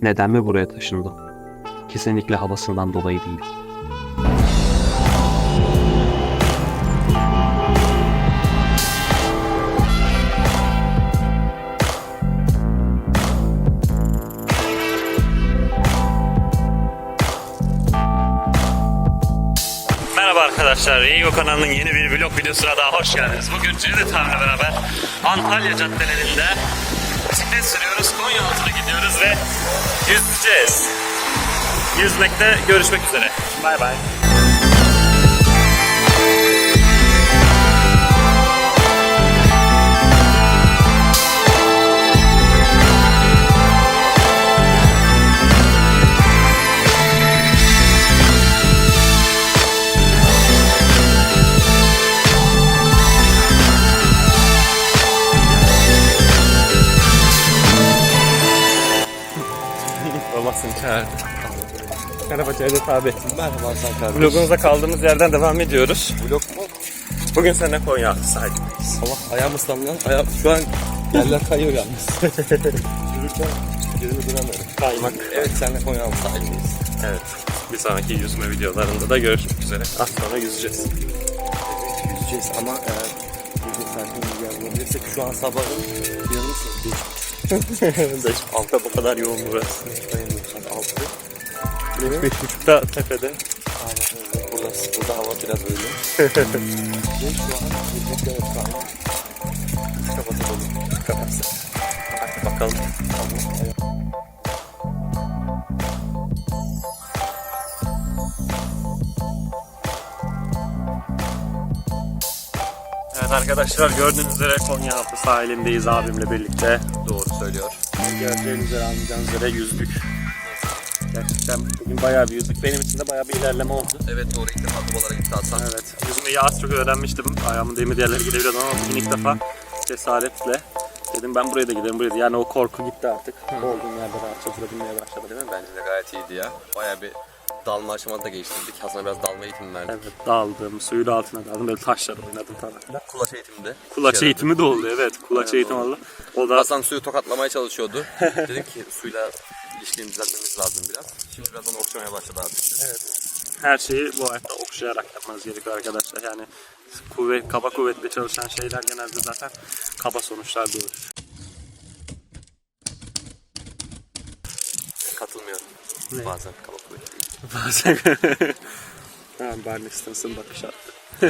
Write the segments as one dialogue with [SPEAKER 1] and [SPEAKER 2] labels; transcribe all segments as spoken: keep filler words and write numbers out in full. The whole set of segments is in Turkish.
[SPEAKER 1] Neden mi buraya taşındım? Kesinlikle havasından dolayı değil. Merhaba arkadaşlar, Reigo kanalının yeni bir vlog videosuna daha hoş geldiniz. Bugün Cevdet abiyle beraber Antalya caddelerinde bisiklet sürüyoruz, Konyaaltı'na gidiyoruz ve yüzeceğiz. Yüzmekte görüşmek üzere. Bay bay. Olmazsın çağırdı. Merhaba Cevdet abi.
[SPEAKER 2] Merhaba Hasan kardeşim.
[SPEAKER 1] Vlogumuza kaldığımız yerden devam ediyoruz.
[SPEAKER 2] Vlog mu?
[SPEAKER 1] Bugün seninle Konyaaltı sahilindeyiz.
[SPEAKER 2] Allah ayağım ıslandı. Ayağım şu an yerler kayıyor yalnız. Yürürken yerimi duramıyorum.
[SPEAKER 1] Kaymak.
[SPEAKER 2] Evet seninle Konyaaltı sahilindeyiz.
[SPEAKER 1] Evet. Bir sonraki yüzme videolarında da görüşmek üzere. Az sonra yüzeceğiz.
[SPEAKER 2] Evet yüzeceğiz ama eğer yüzme saatini yer bulabilirsek şu an sabahın yanılsın.
[SPEAKER 1] Beş altta bu kadar yoğun burası.
[SPEAKER 2] Dayanıyorum saat altı.
[SPEAKER 1] Beş buçukta tepede.
[SPEAKER 2] Aynen öyle. Burası, burada hava biraz öyle. Ve şu an yüzmekte evet kalma. Kapatalım.
[SPEAKER 1] Kapatsın. Hadi bakalım. Evet arkadaşlar, gördüğünüz üzere Konyaaltı sahilindeyiz abimle birlikte.
[SPEAKER 2] Doğru söylüyor.
[SPEAKER 1] Göreceğiniz üzere, anlayacağınız üzere yüzdük. Gerçekten bugün bayağı bir yüzdük. Benim için de bayağı bir ilerleme oldu.
[SPEAKER 2] Evet doğru, ilk defa dubalara gitti Hasan.
[SPEAKER 1] Evet. Yüzmeyi az çok öğrenmiştim. Ayağımın demir yerleri gidebiliyordum ama bugün ilk defa cesaretle dedim ben buraya da giderim, buraya da. Yani o korku gitti artık. Olduğum yerde rahatça durabilmeye başladım.
[SPEAKER 2] Değil mi? Bence de gayet iyiydi ya. Bayağı bir dalma aşamasında geçtirdik. Hasan'a biraz dalma eğitimi verdik.
[SPEAKER 1] Evet, daldım, suyun altına daldım, böyle taşlar oynadım falan.
[SPEAKER 2] Kulaç eğitiminde.
[SPEAKER 1] Kulaç eğitimi de oldu, evet. Kulaç
[SPEAKER 2] Aynen,
[SPEAKER 1] eğitimi
[SPEAKER 2] doğru.
[SPEAKER 1] oldu. O da
[SPEAKER 2] Hasan suyu tokatlamaya çalışıyordu. Dedim ki suyla ilişkini düzeltmemiz lazım biraz. Şimdi biraz onu okşamaya başladı artık.
[SPEAKER 1] evet. Her şeyi bu hayatta okşayarak yapmanız gerekiyor arkadaşlar. Yani kuvvet, kaba kuvvetle çalışan şeyler genelde zaten kaba sonuçlar doğurur.
[SPEAKER 2] Katılmıyorum.
[SPEAKER 1] Ne?
[SPEAKER 2] Bazen kaba kuvvetli.
[SPEAKER 1] Bazen tamam, Barney Stinson bakış attı.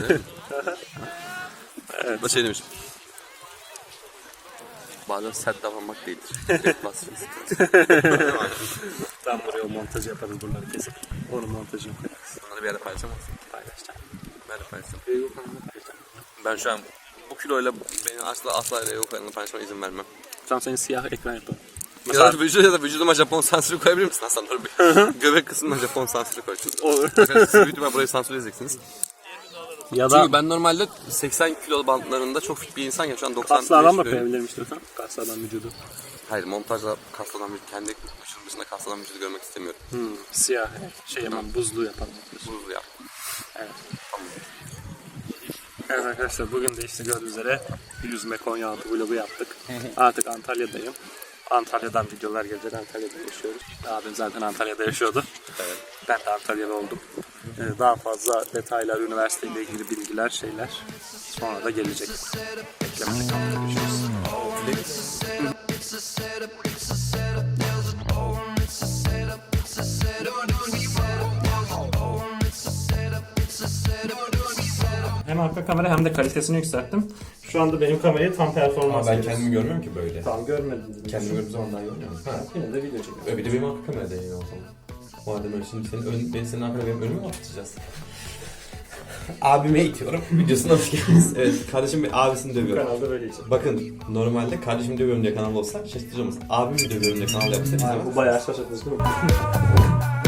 [SPEAKER 2] Evet. Da şey demiş. Bazen sert davranmak değildir. Direkt basacaksın.
[SPEAKER 1] Tam buraya o montajı yaparız, bunları kesip. Onun montajını koyarız.
[SPEAKER 2] Bunları bir yerde paylaşamazsın.
[SPEAKER 1] Paylaşacağım.
[SPEAKER 2] Ben de paylaşacağım.
[SPEAKER 1] Video kanalına paylaşacağım.
[SPEAKER 2] Ben şu an bu kiloyla beni asla asla Reo kanalına paylaşmama izin vermem.
[SPEAKER 1] Şu an senin siyah ekran yapalım.
[SPEAKER 2] Ya da, vücuda, ya da vücuduma Japon sansürü koyabilir misin Hasan? Dur bir. Göbek kısmına Japon sansürü koy.
[SPEAKER 1] Olur.
[SPEAKER 2] Siz büyük ihtimal burayı sansür edeceksiniz.
[SPEAKER 1] Ya da
[SPEAKER 2] Çünkü ben normalde seksen kilo bantlarında çok fit bir insanken şu an doksan
[SPEAKER 1] kaslı adam da
[SPEAKER 2] kiloyum.
[SPEAKER 1] koyabilirim istiyorsan. Kaslı adam vücudu.
[SPEAKER 2] Hayır, montajla kaslı olan vücudu, kendi vücudum dışında kaslı olan vücudu görmek istemiyorum.
[SPEAKER 1] Hmm, siyah şey yapalım, buzlu yapalım.
[SPEAKER 2] Buzlu yap.
[SPEAKER 1] Evet. Evet arkadaşlar, bugün de işte gördüğünüz üzere yüzme Konyaaltı vlogu yaptık. Artık Antalya'dayım. Antalya'dan videolar gelecek. Antalya'da yaşıyoruz. Abim zaten Antalya'da yaşıyordu.
[SPEAKER 2] Evet.
[SPEAKER 1] Ben de Antalya'da oldum. Ee, daha fazla detaylar, üniversiteyle ilgili bilgiler, şeyler sonra da gelecek. Beklemede kalın. Görüşürüz. Hem arka kamera hem de kalitesini yükselttim. Şu anda benim kamerayı tam performans
[SPEAKER 3] Ben
[SPEAKER 1] veriyoruz.
[SPEAKER 3] kendimi görmüyorum ki böyle.
[SPEAKER 1] Tam görmedim.
[SPEAKER 3] Kendimi gördüğüm zaman daha görmüyorum. Ha.
[SPEAKER 1] Yine de video çekiyorum.
[SPEAKER 3] Öyle bir de benim arka kamerada yayın o zaman. Madem öyle, şimdi senin ön, beni senin arkada benim önüme mi atacağız? Abime itiyorum. Videosuna hoş geldiniz. Evet, kardeşim bir abisini dövüyor.
[SPEAKER 1] Kanalda böyle için.
[SPEAKER 3] Bakın, normalde kardeşim dövüyorum diye kanal olsa şaşırtıcı olmaz. Abimi dövüyorum diye kanal yapsa
[SPEAKER 1] Bu
[SPEAKER 3] izlemez.
[SPEAKER 1] bayağı şaşırtıcı değil mi?